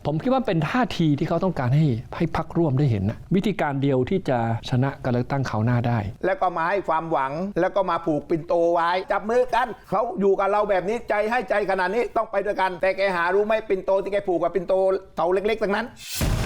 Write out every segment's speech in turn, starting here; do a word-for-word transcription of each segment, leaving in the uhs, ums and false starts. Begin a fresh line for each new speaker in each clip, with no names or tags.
ผมคิดว่าเป็นท่าทีที่เขาต้องการให้ให้พรรคร่วมได้เห็นนะวิธีการเดียวที่จะชนะการเลือกตั้งคราวหน้าได้
แล้วก็มาให้ความหวังแล้วก็มาผูกปิ่นโตไว้จับมือกันเขาอยู่กับเราแบบนี้ใจให้ใจขนาดนี้ต้องไปด้วยกันแต่แกหารู้ไหมปิ่นโตที่แกผูกกับปิ่นโตเต่าเล็กๆทั้งนั้น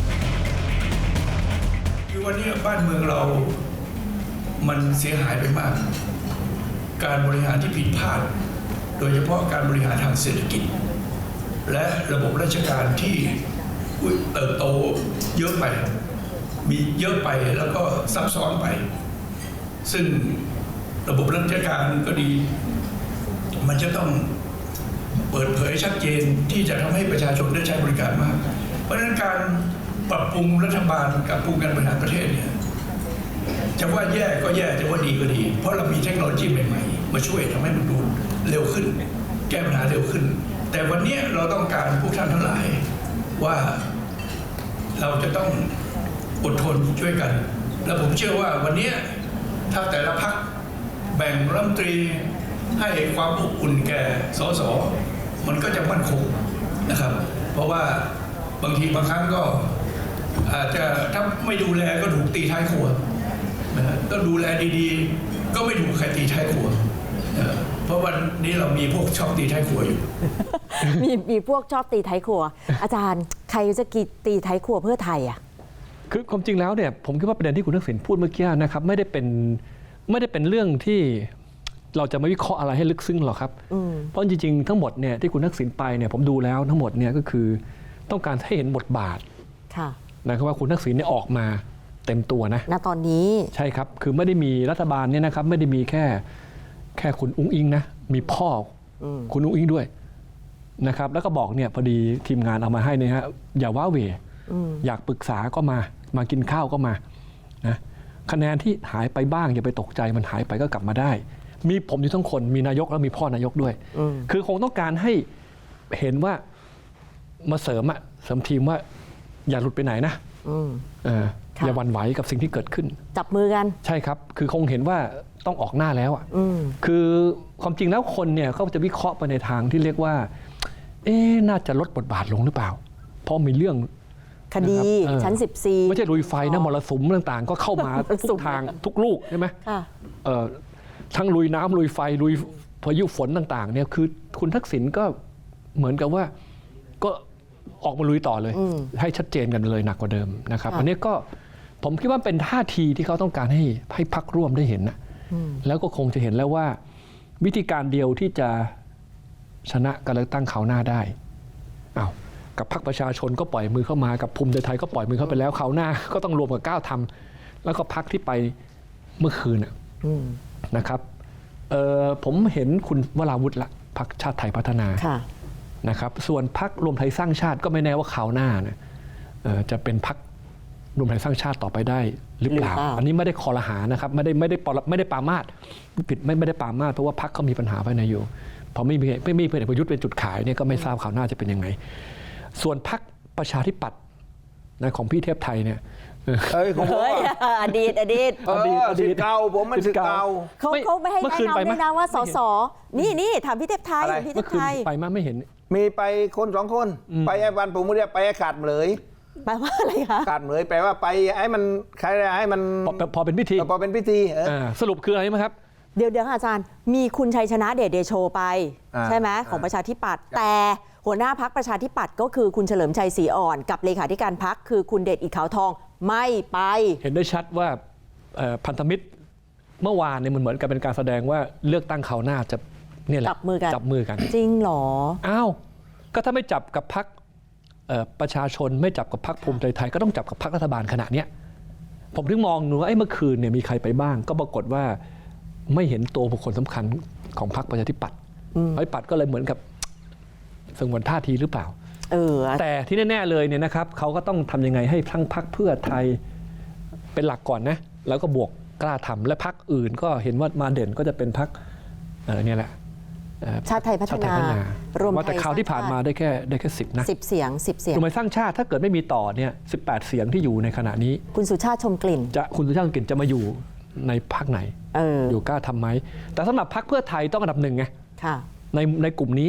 คือวันนี้บ้านเมืองเรามันเสียหายไปมากการบริหารที่ผิดพลาดโดยเฉพาะการบริหารทางเศรษฐกิจและระบบราชการที่เติบโตเยอะไปมีเยอะไปแล้วก็ซับซ้อนไปซึ่งระบบราชการก็ดีมันจะต้องเปิดเผยชัดเจนที่จะทำให้ประชาชนได้ใช้บริการมากเพราะฉะนั้นการปรับปรุงรัฐบาลกับปรุงการบริหารประเทศเนี่ยจะว่าแย่ก็แย่จะว่าดีก็ดีเพราะเรามีเทคโนโลยีใหม่ๆมาช่วยทำให้มันดูเร็วขึ้นแก้ปัญหาเร็วขึ้นแต่วันนี้เราต้องการพวกท่านทั้งหลายว่าเราจะต้องอดทนช่วยกันและผมเชื่อว่าวันนี้ถ้าแต่ละพรรคแบ่งรัฐมนตรีให้ความอบอุ่นแก่สสมันก็จะมั่นคงนะครับเพราะว่าบางทีบางครั้งก็อาจจะถ้าไม่ดูแลก็ถูกตีท้ายครัวนะก็ดูแลดีๆก็ไม่ถูกใครตีท้ายครัวนะเพราะวันนี้เรามีพวกชอบตีท้ายครัวอยู่
มีมีพวกชอบตีท้ายครัว อาจารย์ใครจะกีตีท้ายครัวเพื่อไทยอ่ะ
คือความจริงแล้วเนี่ยผมคิดว่าประเด็นที่คุณทักษิณพูดเมื่อกี้นะครับไม่ได้เป็นไม่ได้เป็นเรื่องที่เราจะไม่วิเคราะห์อะไรให้ลึกซึ้งหรอกครับเพราะจริงๆทั้งหมดเนี่ยที่คุณทักษิณไปเนี่ยผมดูแล้วทั้งหมดเนี่ยก็คือต้องการให้เห็นบทบาทนะครับว่าคุณทักษิณเนี่ยออกมาเต็มตัวนะ
ณตอนนี้
ใช่ครับคือไม่ได้มีรัฐบาลเนี่ยนะครับไม่ได้มีแค่แค่คุณอุ้งอิงนะมีพ่อคุณอุ้งอิงด้วยนะครับแล้วก็บอกเนี่ยพอดีทีมงานเอามาให้เนี่ยฮะอย่าว้าเหวอยากปรึกษาก็มามากินข้าวก็มานะคะแนนที่หายไปบ้างอย่าไปตกใจมันหายไปก็กลับมาได้มีผมอยู่ทั้งคนมีนายกแล้วมีพ่อนายกด้วยคือคงต้องการให้เห็นว่ามาเสริมอะเสริมทีมว่าอย่าหลุดไปไหนนะอย่าหวั่นไหวกับสิ่งที่เกิดขึ้น
จับมือกัน
ใช่ครับคือคงเห็นว่าต้องออกหน้าแล้วอ่ะคือความจริงแล้วคนเนี่ยเขาจะวิเคราะห์ไปในทางที่เรียกว่าเอ๊ะน่าจะลดบทบาทลงหรือเปล่าเพราะมีเรื่อง
คดีชั้นสิบสี่
ไม่ใช่ลุยไฟนะมรสุมต่างๆก็เข้ามาทุกทางทุกลูกใช่ไหมทั้งลุยน้ำลุยไฟลุยพายุฝนต่างๆเนี่ยคือคุณทักษิณก็เหมือนกับว่าก็ออกมาลุยต่อเลยให้ชัดเจนกันเลยหนักกว่าเดิมนะครับอันนี้ก็ผมคิดว่าเป็นท่าทีที่เขาต้องการให้ให้พรรคร่วมได้เห็นนะแล้วก็คงจะเห็นแล้วว่าวิธีการเดียวที่จะชนะการเลือกตั้งคราวหน้าได้อ้าวกับพรรคประชาชนก็ปล่อยมือเข้ามากับภูมิใจไทยก็ปล่อยมือเข้าไปแล้วคราวหน้าก็ต้องรวมกับก้าวทำแล้วก็พรรคที่ไปเมื่อคืนนะครับผมเห็นคุณวราวุฒิละพรรคชาติไทยพัฒนานะครับส่วนพรรครวมไทยสร้างชาติก็ไม่แน่ว่าคราวหน้าเนี่ยจะเป็นพรรครวมไทยสร้างชาติต่อไปได้หรือเปล่าอันนี้ไม่ได้คอรหานะครับไม่ได้ไม่ได้ไม่ได้ปรามาสผิดไม่ไม่ได้ปรามาสเพราะว่าพรรคเขามีปัญหาภายในอยู่พอไม่มีไม่มีพลเอกประยุทธ์เป็นจุดขายเนี่ยก็ไม่ทราบข่าวหน้าจะเป็นยังไงส่วนพรรคประชาธิปัตย์นะของพี่เทพไทยเนี่ย
เฮ้ยอดีตอดีต
อดีตอดีตเก่าผมมันสิเก่า
เขาเขาไม่ให้แนะนำด้วยนะว่าสสนี่นี่ถามพี่เทพไทยพี่เทพไทย
ไปมาไม่เห็น
มีไปคนสองคนไปไอ้วันผมเรียกไปไอ้ขาดเลย
แปลว่าอะไรคะ
ขาดเลยแปลว่าไปให้มันใครให้มัน
พอเป็นพิธี
พอเป็นพิธี
สรุปคืออะไรไหมครับ
เดี๋ยวเดี๋ยวอาจารย์มีคุณชัยชนะเดชเดโชไปใช่ไหมของประชาธิปัตย์แต่หัวหน้าพรรคประชาธิปัตย์ก็คือคุณเฉลิมชัยศรีอ่อนกับเลขาธิการพรรคคือคุณเดชอิฐขาวทองไม่ไป
เห็นได้ชัดว่าพันธมิตรเมื่อวานเนี่ยมันเหมือนกับเป็นการแสดงว่าเลือกตั้งคราวหน้าจะเนี่ยแหละ
จับมือกัน
จับมือกัน
จริงหรอ
อ้าวก็ถ้าไม่จับกับพรรคประชาชนไม่จับกับพรรคภูมิใจไทยก็ต้องจับกับพรรครัฐบาลขณะนี้ผมถึงมองดูว่าไอ้เมื่อคืนเนี่ยมีใครไปบ้างก็ปรากฏว่าไม่เห็นตัวบุคคลสำคัญของพรรคประชาธิปัตย์ประชาธิปัตย์ก็เลยเหมือนกับสงวนท่าทีหรือเปล่า
เออ
แต่ที่แน่ๆเลยเนี่ยนะครับเขาก็ต้องทำยังไงให้ทั้งพรรคเพื่อไทยเป็นหลักก่อนนะแล้วก็บวกกล้าทำและพรรคอื่นก็เห็นว่ามาเด่นก็จะเป็นพรรคเนี่ยแหละ
ชาติไทยพัฒนารวมไทย
แต่คราวที่ผ่านมาได้แค่ได้แค่สิบนะ
สิบเสียงสิบเสียง
รวมไทยสร้างชาติถ้าเกิดไม่มีต่อเนี่ยสิบแปดเสียงที่อยู่ในขณะนี้
คุณสุชาติชมกลิ่น
จะคุณสุชาติชมกลิ่นจะมาอยู่ในพรรคไหน อ, อยู่กล้าทำไหมแต่สำหรับพรรคเพื่อไทยต้องอันดับหนึ่งไงในในกลุ่มนี้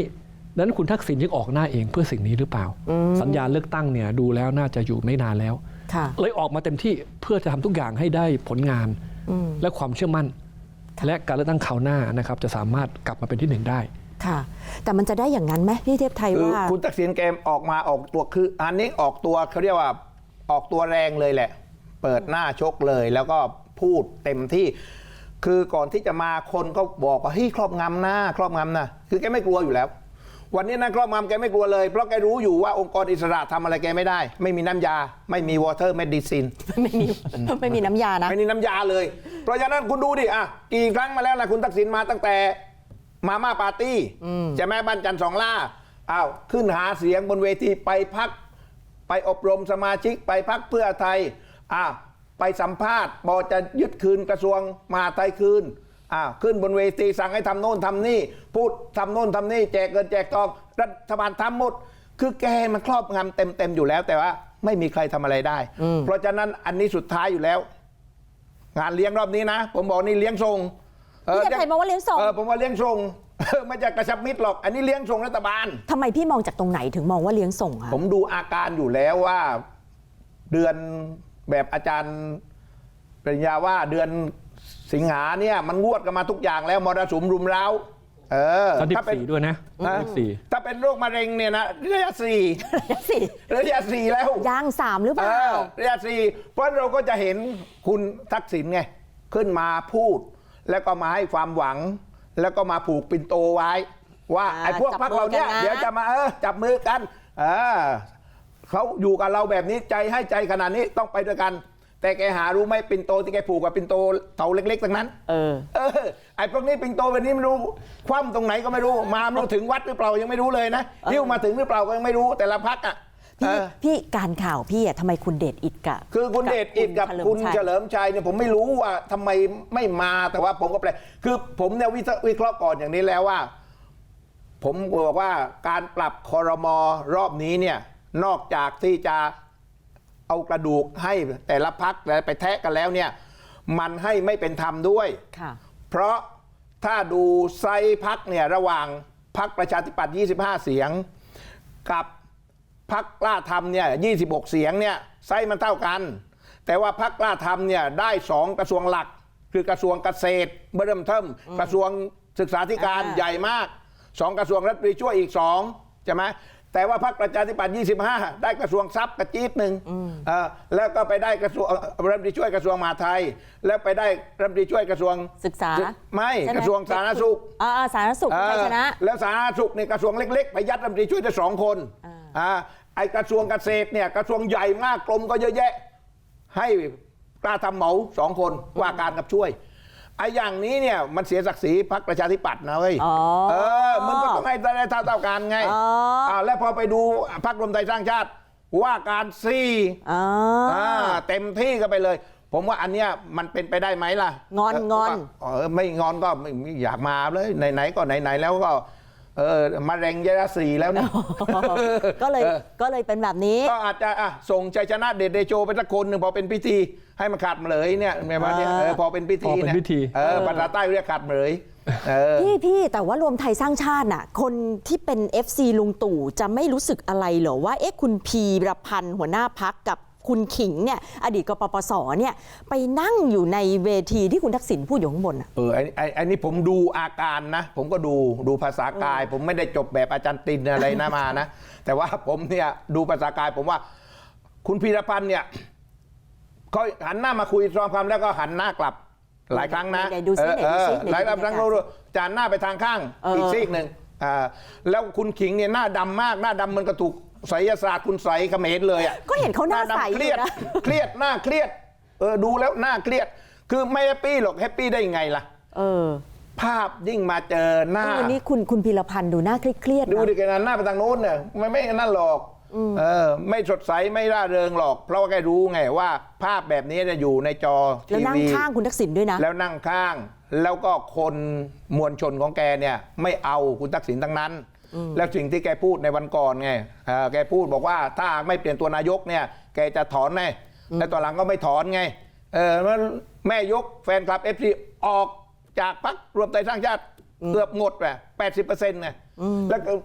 ดังนั้นคุณทักษิณยังออกหน้าเองเพื่อสิ่งนี้หรือเปล่า สัญญาเลือกตั้งเนี่ยดูแล้วน่าจะอยู่ไม่นานแล้วเลยออกมาเต็มที่เพื่อจะทำทุกอย่างให้ได้ผลงานและความเชื่อมั่นและการเลือกตั้งคราวหน้านะครับจะสามารถกลับมาเป็นที่หนึ่งได้
ค่ะแต่มันจะได้อย่างนั้นไหมพี่เทพไทยว่า
คุณทักษิณแกออกมาออกตัวคืออันนี้ออกตัวเขาเรียกว่าออกตัวแรงเลยแหละเปิดหน้าชกเลยแล้วก็พูดเต็มที่คือก่อนที่จะมาคนก็บอกว่าเฮ้ยครอบงำหน้าครอบงำนะคือแกไม่กลัวอยู่แล้ววันนี้นะครอบงำแกไม่กลัวเลยเพราะแกรู้อยู่ว่าองค์กรอิสระทำอะไรแกไม่ได้ไม่มีน้ำยาไม่มี water medicine
ไม่มีไม่มีน้ำยานะ
ไม่มีน้ำยาเลยเพราะฉะนั้นคุณดูดิอ่ะกี่ครั้งมาแล้วนะคุณทักษิณมาตั้งแต่มาม่าปาร์ตี้ใช่ไหมบ้านจันทร์สองล่าอ้าวขึ้นหาเสียงบนเวทีไปพักไปอบรมสมาชิกไปพักเพื่อไทยอ้าวไปสัมภาษณ์บอกจะยึดคืนกระทรวงมหาดไทยคืนอ้าวขึ้นบนเวทีสั่งให้ทำโน่นทำนี่พูดทำโน่นทำนี่แจกเงินแจกทองรัฐบาลทำหมดคือแกมันครอบงำเต็มเต็มอยู่แล้วแต่ว่าไม่มีใครทำอะไรได้เพราะฉะนั้นอันนี้สุดท้ายอยู่แล้วงานเลี้ยงรอบนี้นะผมบอกนี่เลี้ยงส่ง
พี่จะใครมองว่าเลี้ยงส่ง
เออผมว่าเลี้ยงส่งไม่จะกระชับมิตรหรอกอันนี้เลี้ยงส่งรัฐบาล
ทำไมพี่มองจากตรงไหนถึงมองว่าเลี้ยงส่งคะ
ผมดูอาการอยู่แล้วว่าเดือนแบบอาจารย์ปริญญาว่าเดือนสิงหาเนี่ยมันงวดกันมาทุกอย่างแล้วมรสุมรุมเร้าเออ
ถ้าเป็นด้วยนะ
ถ้าเป็นโรคมะเร็งเนี่ยนะระยะสี่
ระยะสี่
ระยะสี่แล้ว
ย่างสามหรือเปล่า
ระยะสี่เพราะเราก็จะเห็นคุณทักษิณไงขึ้นมาพูดแล้วก็มาให้ความหวังแล้วก็มาผูกปิ่นโตไว้ว่าไอ้พวกพรรคเราเนี่ยเดี๋ยวจะมาเออจับมือกันเออเขาอยู่กับเราแบบนี้ใจให้ใจขนาดนี้ต้องไปด้วยกันแต่แกหารู้ไหมปิ่นโตที่แกผูกกับปิ่นโตเต่าเล็กๆทั้งนั้นเออเออไอ้พวกนี้ปิ่นโตแบบนี้ไม่รู้คว่ำตรงไหนก็ไม่รู้มาไม่รู้ถึงวัดหรือเปล่ายังไม่รู้เลยนะหิ้วมาถึงหรือเปล่าก็ยังไม่รู้แต่ละพรรคอ่ะ
พี่พี่การข่าวพี่อ่ะทำไมคุณเดชอิฐกับ
คือคุณเดชอิฐกับคุณเฉลิมชัยเนี่ยผมไม่รู้ว่าทำไมไม่มาแต่ว่าผมก็แปลคือผมเนี่ยวิเคราะห์ก่อนอย่างนี้แล้วว่าผมบอกว่าการปรับครม.รอบนี้เนี่ยนอกจากที่จะเอากระดูกให้แต่ละพรรคไปแทะกันแล้วเนี่ยมันให้ไม่เป็นธรรมด้วยเพราะถ้าดูไซส์พรรคเนี่ยระหว่างพรรคประชาธิปัตย์ยี่สิบห้าเสียงกับพรรคกล้าทำเนี่ยยี่สิบหกเสียงเนี่ยไซส์มันเท่ากันแต่ว่าพรรคกล้าทำเนี่ยได้สองกระทรวงหลักคือกระทรวงเกษตรเบิ่มเทิมกระทรวงศึกษาธิการใหญ่มากสองกระทรวงรัฐมนตรีช่วยอีกสองใช่ไหมแต่ว่าพรรคประชาธิปัตย์ยี่สิบห้าได้กระทรวงทรัพย์กระจี๊ดหนึ่งแล้วก็ไปได้กระทรวงรัฐมนตรีช่วยกระทรวงมหาดไทยแล้วไปได้รัฐมนตรีช่วยกระทรวง
ศึกษา
ไม่กระทรวงสาธารณสุข
อ่าสาธารณสุขใช่ชนะ
แล้วสาธารณสุขในกระทรวงเล็กๆไปยัดรัฐมนตรีช่วยได้สองคนอ่าไอกระทรวงเกษตรเนี่ยกระทรวงใหญ่มากกรมก็เยอะแยะให้กล้าทำเหมาสองคนว่าการกับช่วยไอ้อย่างนี้เนี่ยมันเสียศักดิ์ศรีพรรคประชาธิปัตย์นะเว้ยเออมันก็ต้องให้ได้เท่าเท่ากันไงอ่าแล้วพอไปดูพรรครวมไทยสร้างชาติว่าการซี่อ่าเต็มที่ก็ไปเลยผมว่าอันเนี้ยมันเป็นไปได้ไหมล่ะ
งอนงอน
เออไม่งอนก็ไม่อยากมาเลยไหนๆก็ไหนๆแล้วก็เออมะเร็งระยะสี่แล้วเนี่ย
ก็เลยก็เลยเป็นแบบนี้
ก็อาจจะอ่ะส่งชัยชนะเดชเดโชไปสักคนหนึ่งพอเป็นพิธีให้มันขาดเหลยเนี่ยแบบว่าเนี่ยพอเป็นพิธีเนี่ยเออภาษาใต้เรียกขาดเหลย
พี่พี่แต่ว่ารวมไทยสร้างชาติน่ะคนที่เป็น เอฟ ซี ลุงตู่จะไม่รู้สึกอะไรเหรอว่าเอ๊ะคุณพีรพันธ์หัวหน้าพรรคกับคุณขิงเนี่ยอดีตกปปสเนี่ยไปนั่งอยู่ในเวทีที่คุณทักษิณพูดอยู่ข้างบน
เออไอ้ไอ้ไอ้นี่ผมดูอาการนะผมก็ดูดูภาษากายผมไม่ได้จบแบบอาจารย์ตินอะไรนะมานะแต่ว่าผมเนี่ยดูภาษากายผมว่าคุณพีรพันธ์เนี่ยเขาหันหน้ามาคุยซ้อมความแล้วก็หันหน้ากลับหลายครั้งนะหลายครั้งเราจานหน้าไปทางข้างอีกซีกหนึ่งแล้วคุณขิงเนี่ยหน้าดำมากหน้าดำมันก็ถูกไสยศาสตร์คุณใสเขมรเลยอ่ะ
ก็เห็นเขาหน้าใส
เครียดเครียดหน้าเครียดเออดูแล้วหน้าเครียดคือไม่แฮปปี้หรอกแฮปปี้ได้ไงล่ะเออภาพยิ่งมาเจอหน้า
นี่คุณคุณพีรพันธ์ดูหน้าเครียด
ดูดิแกหน้าไปทางโน้นเนี่ยไม่ไม่นั่นหรอกเออไม่สดใสไม่ร่าเริงหรอกเพราะว่าแกรู้ไงว่าภาพแบบนี้จะอยู่ในจอทีวี
แล้วนั่งข้างคุณทักษิณด้วยนะ
แล้วนั่งข้างแล้วก็คนมวลชนของแกเนี่ยไม่เอาคุณทักษิณทั้งนั้นแล้วสิ่งที่แกพูดในวันก่อนไงแกพูดบอกว่าถ้าไม่เปลี่ยนตัวนายกเนี่ยแกจะถอนไงแต่ตอนหลังก็ไม่ถอนไงเออแม่ยกแฟนคลับ เอฟ ซี ออกจากพรรครวมไทยสร้างชาติเกือบหมดแหละแปดสิบเปอร์เซ็นต์ไงแล้ว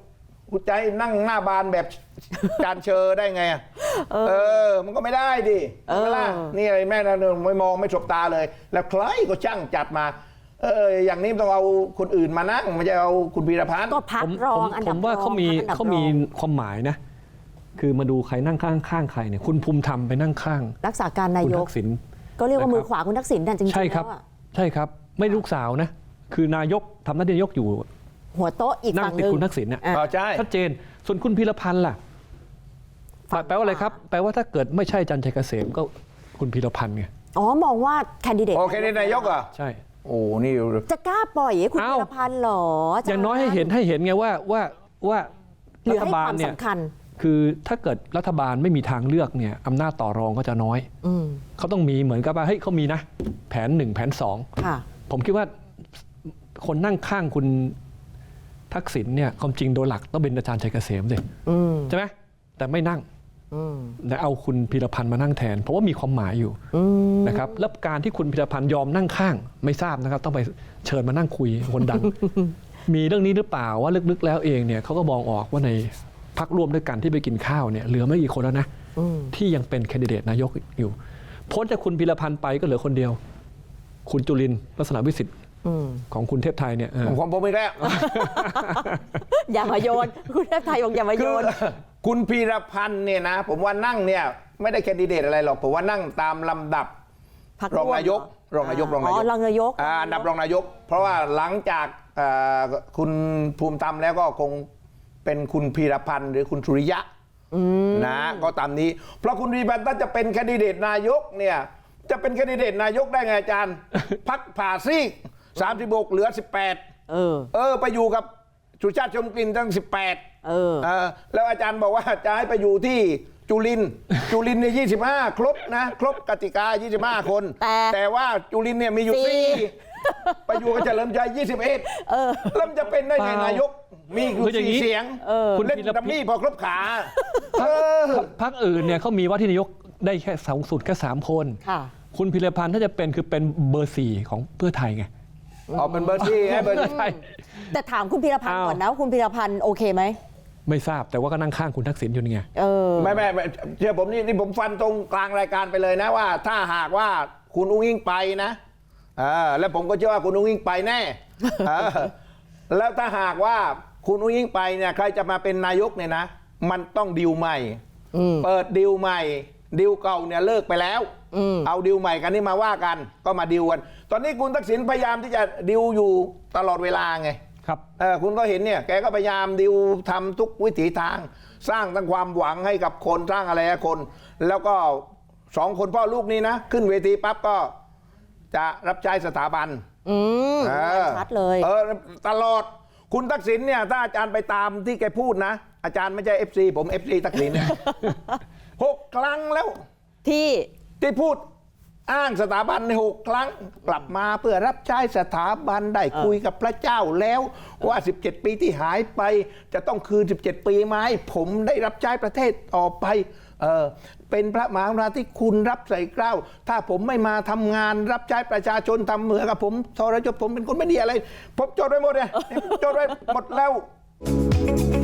กูใจนั่งหน้าบานแบบ จานเชอได้ไงอะเออ มันก็ไม่ได้ดิใช่ไหมล่ะนี่อะไรแม่นะไม่มองไม่สบตาเลย แล้วใครก็ช่างจัดมา เอออย่างนี้ต้องเอาคนอื่นมานั่งไม่ใช่เอาคุณพีรพันธ์
ก็พัก
ผม
รอ
ผม
งอัน
ผ
ดับ
มว่าเขามี
รองพักอันดับ
เขามี
รอง
ความหมายนะ คือมาดูใครนั่งข้างข้างใครเนี่ยคุณภูมิธรรมไปนั่งข้าง
รักษาการนา
คุณ
ย
ทั
ก
กษิณ
ก็เรียกว่า
นะครับ
มือขวาคุณทักษิณนั่นจริงๆ
ใช่ครับ
แล้วอะ
ใช่ครับ ไม่ลูกสาวนะ คือนายกทำหน้าที่นายกอยู่
หัวโต๊ะอีก
นั่ง
ฝั่งห
ติด
นึ่ง
คุณทักษิณเนี่ย
อ่ะ
อ๋อใช่
ชัดเจน ส่วนคุณพีรพันธ์ล่ะ
ฝั่ง
แปลว่าอะไรครับ แปลว่าถ้าเกิดไม่ใช่จันทร์ชัยเกษมก็คุณพีรพันธ์ไง
อ๋อมองว่าแคนดิเดต
โอเคนี่นายกเหรอ่ะ
ใช่
โอ้นี่
จะกล้าปล่อยให้คุณ
เอ้า
พีรพันธ์เหรอ
อย่างน้อยให้เห็นให้เห็นไงว่าว่าว่า
หรื
รั
อ
ฐ
ให้
บา
ค
ล
วาม
เนี่ย
สำคัญ
คือถ้าเกิดรัฐบาลไม่มีทางเลือกเนี่ยอำนาจต่อรองก็จะน้อย
อืม
เขาต้องมีเหมือนกับว่าเฮ้ยเขามีนะ แผนหนึ่งแผนสอง
ค่ะ
ผมคิดว่าคนนั่งข้างคุณทักษิณเนี่ยความจริงโดยหลักต้องเป็นอาจารย์ชัยเกษมสิ
อืม
ใช่ไหมแต่ไม่นั่ง
อืม
แต่เอาคุณพีรพันธ์มานั่งแทน เพราะว่ามีความหมายอยู่
อืม
นะครับแล้วการที่คุณพีรพันธ์ยอมนั่งข้าง ไม่ทราบนะครับ ต้องไปเชิญมานั่งคุยคนดัง มีเรื่องนี้หรือเปล่าว่าลึกๆแล้วเองเนี่ยเขาก็มองออกว่าในพรรคร่วมด้วยกันที่ไปกินข้าวเนี่ยเหลือไม่กี่คนแล้วนะ
อืม
ที่ยังเป็นแคนดิเดตนายกอยู่พ้นจากคุณพีรพันธ์ไปก็เหลือคนเดียว คุณจุลินทร์ลักษณะวิสิทธิ์
อืม
ของคุณเทพไทยเนี่ยเออ
ผมผมอีกแล้ว
อย่ามาโยน คุณเทพไทยบอกอย่ามาโย
คือน คุณพีรพันธ์เนี่ยนะ ผมว่านั่งเนี่ยไม่ได้แคนดิเดตอะไรหรอกผมว่านั่งตามลำดับ
พรรค
รองนายก
ร่วม
รองนายกรอง
อ๋
นาย
อก รองนายก
อ่าอันดับรองนายก เพราะว่าหลังจากเอ่อคุณภูมิธรรมแล้วก็คงเป็นคุณพีรพันธ์หรือคุณสุริยะนะก็ตามนี้ เพราะคุณพีรพันธ์ถ้าจะเป็นแคนดิเดตนายกเนี่ยจะเป็นแคนดิเดตนายกได้ไงอาจารย์ พักผ่าซีกสามสิบหกเหลือสิบแปด
เออ
เออไปอยู่กับสุชาติชมกลิ่นตั้งสิบแปด
เออ
เออแล้วอาจารย์บอกว่าจะให้ไปอยู่ที่จุลินทร์ จุลินทร์เนี่ยยี่สิบห้าครบนะ ครบกติกายี่สิบห้าคน
แต่
แต่ว่าจุลินทร์เนี่ยมีอยู่
สี่
สี่ไปอยู่กับเฉลิมชัยยี่สิบเอ็ด
เออ
แล้วมันจะเป็นได้ไง
เปล่าน
ายก มีอยู่
คืออย่างนี้
สี่เสียง
เออ
คุณเล่นดัมมี่พอครบขาเออ
พรรคอื่นเนี่ยเขามีว่าที่นายกได้แค่สองสุดแค่สามคน
ค่ะ
คุณพีรพันธ์ถ้าจะเป็นคือเป็นเบอร์สี่ของเพื่อไทยไง
เอาเป็นเบอร์ที่ให้เบอร์ที่
ใช่
แต่ถามคุณพีรพันธ์
อ้าว
ก่อนนะว่าคุณพีรพันธ์โอเคไหม
ไม่ทราบแต่ว่าก็นั่งข้างคุณทักษิณอยู่นี่ไง
เออ
ไม่ไม่ไม่เชื่อผมนี่นี่ผมฟันตรงกลางรายการไปเลยนะว่า ถ้าหากว่าคุณอุ้งอิงไปนะเออแล้วผมก็เชื่อว่าคุณอุ้งอิงไปแน่เออแล้วถ้าหากว่าคุณอุ้งอิงไปเนี่ยใครจะมาเป็นนายกเนี่ยนะ มันต้องดิวใหม่
อืม
เปิดดิวใหม่ดิวเก่าเนี่ยเลิกไปแล้ว
อืม
เอาดิวใหม่กันนี่มาว่ากันก็มาดิวกัน ตอนนี้คุณทักษิณพยายามที่จะดิวอยู่ตลอดเวลาไง
ครับ
เออคุณก็เห็นเนี่ยแกก็พยายามดิวทำทุกวิถีทาง สร้างทั้งความหวังให้กับคนสร้างอะไรให้คน แล้วก็สองคนพ่อลูกนี้นะ ขึ้นเวทีปั๊บก็จะรับใช้สถาบัน
อืม
เออ
ชัดเลย
เออตลอดคุณทักษิณเนี่ยถ้าอาจารย์ไปตามที่แกพูดนะ อาจารย์ไม่ใช่ เอฟ ซี ผม เอฟ ซี ทักษิณเนี่ย หกครั้งแล้ว
ที่
ที่พูดอ้างสถาบันในหกครั้งกลับมาเพื่อรับใช้สถาบันได้คุยกับพระเจ้าแล้วว่าสิบเจ็ดปีที่หายไป จะต้องคืนสิบเจ็ดปีมาให้ผมได้รับใช้ประเทศต่อไปเออเป็นพระมหากรุณาธิคุณรับใส่เกล้า ถ้าผมไม่มาทำงานรับใช้ประชาชนทำเหมือนกับผมทรยศผมเป็นคนไม่ดีอะไร ผมจดไว้หมดเลยจดไว้หมดแล้ว